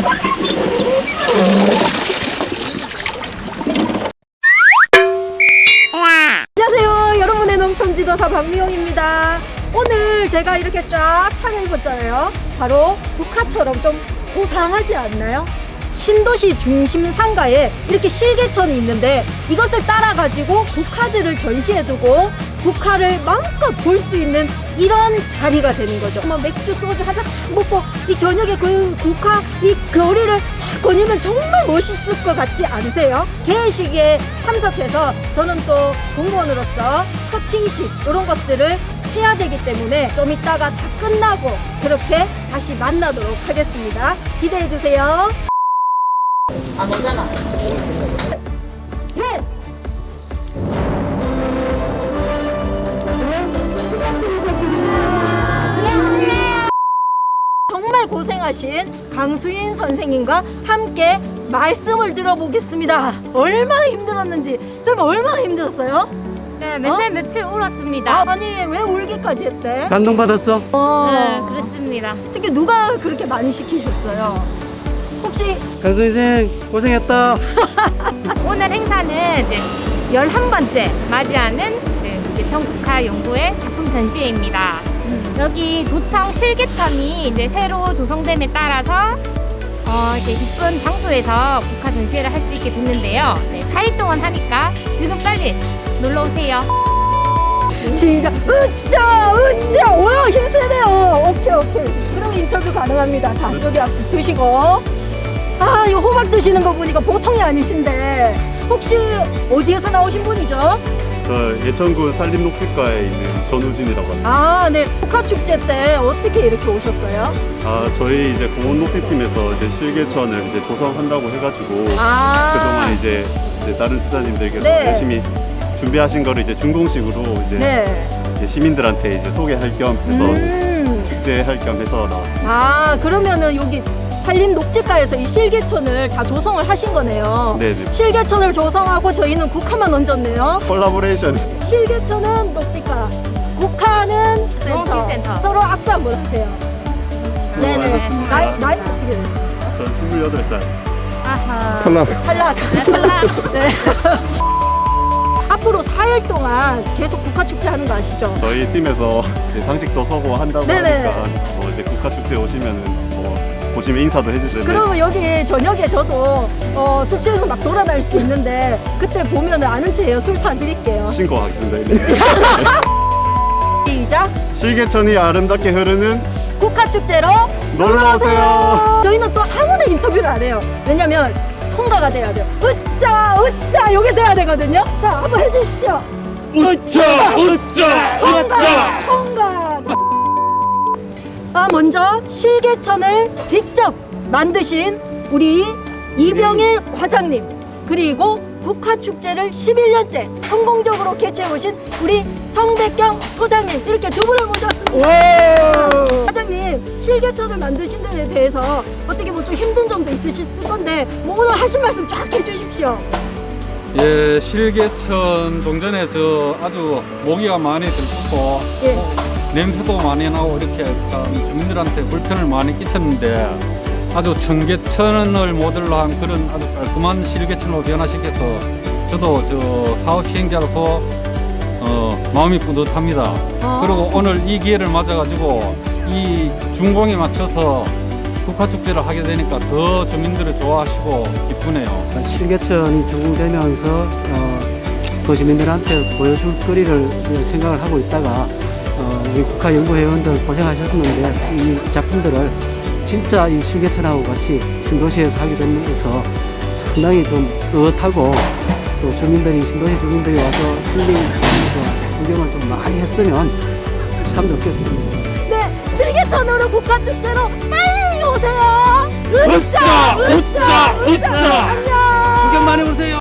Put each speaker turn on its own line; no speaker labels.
안녕하세요. 여러분의 농촌지도사 박미영입니다. 오늘 제가 이렇게 쫙 차려입었잖아요. 바로 국화처럼 좀 고상하지 않나요? 신도시 중심 상가에 이렇게 실개천이 있는데 이것을 따라 가지고 국화들을 전시해두고 국화를 마음껏 볼 수 있는 이런 자리가 되는 거죠. 뭐 맥주 소주 한잔 딱 먹고 이 저녁에 그 국화 이 거리를 딱 거니면 정말 멋있을 것 같지 않으세요? 개회식에 참석해서 저는 또 공무원으로서 커팅식 이런 것들을 해야 되기 때문에 좀 이따가 다 끝나고 그렇게 다시 만나도록 하겠습니다. 기대해 주세요.
안 오잖아.
셋! 정말 고생하신 강수인 선생님과 함께 말씀을 들어보겠습니다. 얼마나 힘들었는지. 선생님 얼마나 힘들었어요?
네, 맨날 며칠 울었습니다.
아니 왜 울기까지 했대?
감동받았어?
네, 그렇습니다.
특히 누가 그렇게 많이 시키셨어요? 혹시
강수 선생 고생했다.
오늘 행사는 이제 11번째 맞이하는 예천국화연구회 작품 전시회입니다. 여기 도청 실개천이 이제 새로 조성됨에 따라서 이렇게 이쁜 장소에서 국화 전시회를 할 수 있게 됐는데요. 네, 4일 동안 하니까 지금 빨리 놀러 오세요.
시작! 으짜! 으짜! 와 힘세네요. 오케이. 그럼 인터뷰 가능합니다. 자 여기 앞에 드시고. 아 이 호박 드시는 거 보니까 보통이 아니신데 혹시 어디에서 나오신 분이죠?
저 예천군 산림녹지과에 있는 전우진이라고 합니다.
아 네. 국화축제 때 어떻게 이렇게 오셨어요?
저희 이제 공원녹지팀에서 이제 실개천을 이제 조성한다고 해가지고 그동안 이제 다른 수사님들께서
네.
열심히 준비하신 거를 이제 준공식으로 이제 시민들한테 이제 소개할 겸 해서 축제할 겸 해서 나왔습니다.
아 그러면은 여기 산림녹지과에서 이 실개천을 다 조성을 하신 거네요.
네네.
실개천을 조성하고 저희는 국화만 얹었네요.
콜라보레이션.
실개천은 녹지과, 국화는 센터.
농업기센터.
서로 악수 한번 하세요. 네네. 나이 어떻게 돼요?
전 28살.
아하.
탈락.
탈락.
네. 앞으로 4일 동안 계속 국화축제 하는 거 아시죠?
저희 팀에서 이제 상식도 서고 한다고
네네.
하니까 이제 국화축제 오시면은 보시면 인사도 해주시는데
그러면 여기 저녁에 저도 술 취해서 막 돌아다닐 수 있는데 그때 보면 아는 체예요. 술 사드릴게요.
신고하겠습니다.
시작.
실개천이 아름답게 흐르는
국화축제로
놀러오세요.
저희는 또 아무나 인터뷰를 안 해요. 왜냐면 통과가 돼야 돼요. 으짜 여기서 해야 되거든요. 자 한번 해주십시오. 통과. 먼저 실개천을 직접 만드신 우리 이병일 과장님 그리고 국화축제를 11년째 성공적으로 개최해 오신 우리 성백경 소장님 이렇게 두 분을 모셨습니다. 과장님 실개천을 만드신 데에 대해서 어떻게 뭐 좀 힘든 점도 있으실 건데 뭐 오늘 하신 말씀 쫙 해주십시오.
예, 실개천 동전에 아주 모기가 많이 들고
예.
냄새도 많이 나고 이렇게 참 주민들한테 불편을 많이 끼쳤는데 아주 청개천을 모델로 한 그런 아주 깔끔한 실개천으로 변화시켜서 저도 사업 시행자로서 마음이 뿌듯합니다. 그리고 오늘 이 기회를 맞아가지고 이 준공에 맞춰서 국화축제를 하게 되니까 더 주민들이 좋아하시고 기쁘네요.
실개천이 적용되면서 도시민들한테 보여줄 거리를 생각을 하고 있다가 우리 국화연구회원들 고생하셨는데 이 작품들을 진짜 이 실개천하고 같이 신도시에서 하게 되면서 상당히 좀 뿌듯하고 또 신도시 주민들이 와서 힐링하면서 구경을 좀 많이 했으면 참 좋겠습니다.
네, 실개천으로 국화축제로 빨리 오세요. 으쌰.
구경 많이 오세요.